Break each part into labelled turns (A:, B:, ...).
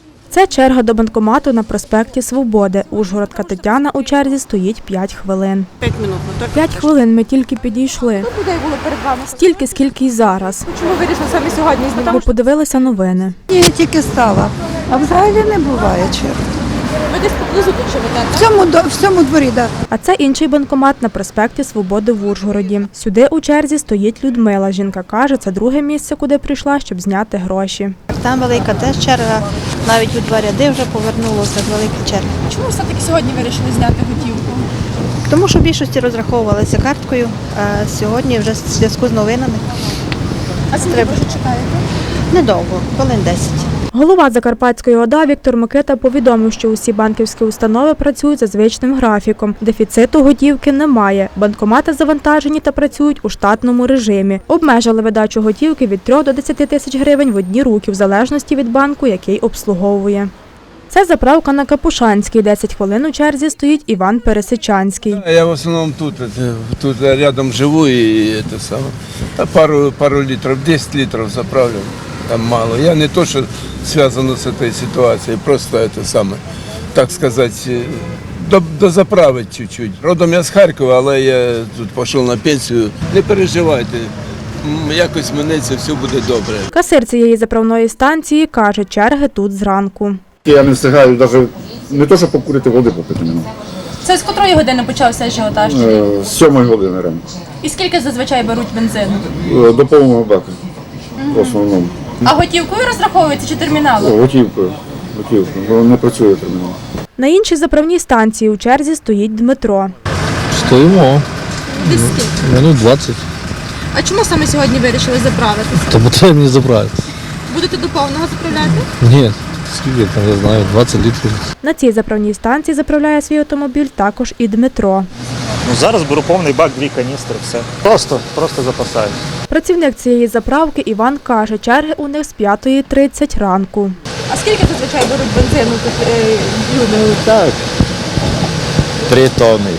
A: Це черга до банкомату на проспекті Свободи. Ужгородка Тетяна у черзі стоїть 5 хвилин.
B: 5 минут.
A: 5 хвилин ми тільки підійшли.
B: Людей було перед вами.
A: Стільки, скільки й зараз.
B: Чому вирішили саме сьогодні знімати?
A: Бо подивилися новини.
C: Я тільки стала, а взагалі не буває черг.
B: Ви десь поблизу тут живете?
C: В цьому дворі, так.
A: А це інший банкомат на проспекті Свободи в Ужгороді. Сюди у черзі стоїть Людмила. Жінка каже, це друге місце, куди прийшла, щоб зняти гроші.
D: Там велика теж черга, навіть у 2 ряди вже повернулося, велика черга.
B: Чому все-таки сьогодні вирішили зняти готівку?
D: Тому що в більшості розраховувалися карткою, а сьогодні вже в зв'язку з новинами.
B: А скільки ви вже чекаєте?
D: Недовго, хвилин 10.
A: Голова Закарпатської ОДА Віктор Микита повідомив, що усі банківські установи працюють за звичним графіком. Дефіциту готівки немає. Банкомати завантажені та працюють у штатному режимі. Обмежили видачу готівки від 3 до 10 тисяч гривень в одні руки, в залежності від банку, який обслуговує. Це заправка на Капушанській. 10 хвилин у черзі стоїть Іван Пересичанський.
E: Я в основному тут рядом живу і це саме. Та пару літрів, 10 літрів заправлю. Там мало. Я не то, що зв'язано з цією ситуацією, просто це саме, так сказати, дозаправити чуть-чуть. Родом я з Харкова, але я тут пішов на пенсію. Не переживайте, якось минеться, все буде добре.
A: Касир цієї заправної станції каже, черги тут зранку.
F: Я не встигаю навіть не то, що покурити, води попити не можу.
B: Це з котрої години почався ажіотаж?
F: З 7 години ранку.
B: І скільки зазвичай беруть бензину?
F: До повного бака. В основному.
B: А готівкою розраховується чи терміналом?
F: Готівкою, бо не працює термінал.
A: На іншій заправній станції у черзі стоїть Дмитро.
G: Стоїмо.
B: Десь скільки?
G: Минут 20.
B: А чому саме сьогодні вирішили заправитися?
G: Тому треба мені заправити.
B: Будете до повного заправляти?
G: Ні, скільки там, я знаю, 20 літрів.
A: На цій заправній станції заправляє свій автомобіль також і Дмитро.
H: Зараз беру повний бак, 2 каністри, все. Просто запасаю.
A: Працівник цієї заправки Іван каже, черги у них з 5:30 ранку.
B: А скільки зазвичай беруть бензину тут люди?
I: Так, 3 тонни.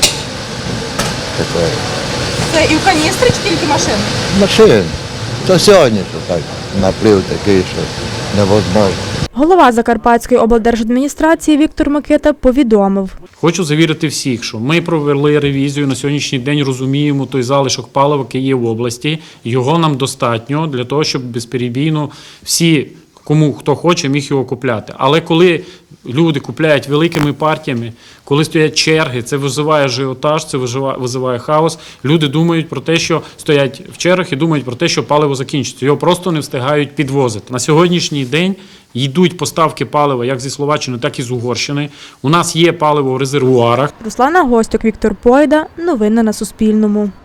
B: Це і в каністрі чи тільки машин?
I: Машин. То сьогодні що так, наплив такий, що невозможно.
A: Голова Закарпатської облдержадміністрації Віктор Микита повідомив.
J: Хочу завірити всіх, що ми провели ревізію, на сьогоднішній день розуміємо той залишок палива, який є в області. Його нам достатньо для того, щоб безперебійно всі, хто хоче, міг його купляти. Але коли люди купляють великими партіями, коли стоять черги, це визиває ажіотаж, це визиває хаос. Люди думають про те, що стоять в чергах і думають про те, що паливо закінчиться. Його просто не встигають підвозити. На сьогоднішній день йдуть поставки палива як зі Словаччини, так і з Угорщини. У нас є паливо в резервуарах.
A: Руслана Гостюк, Віктор Пойда. Новини на Суспільному.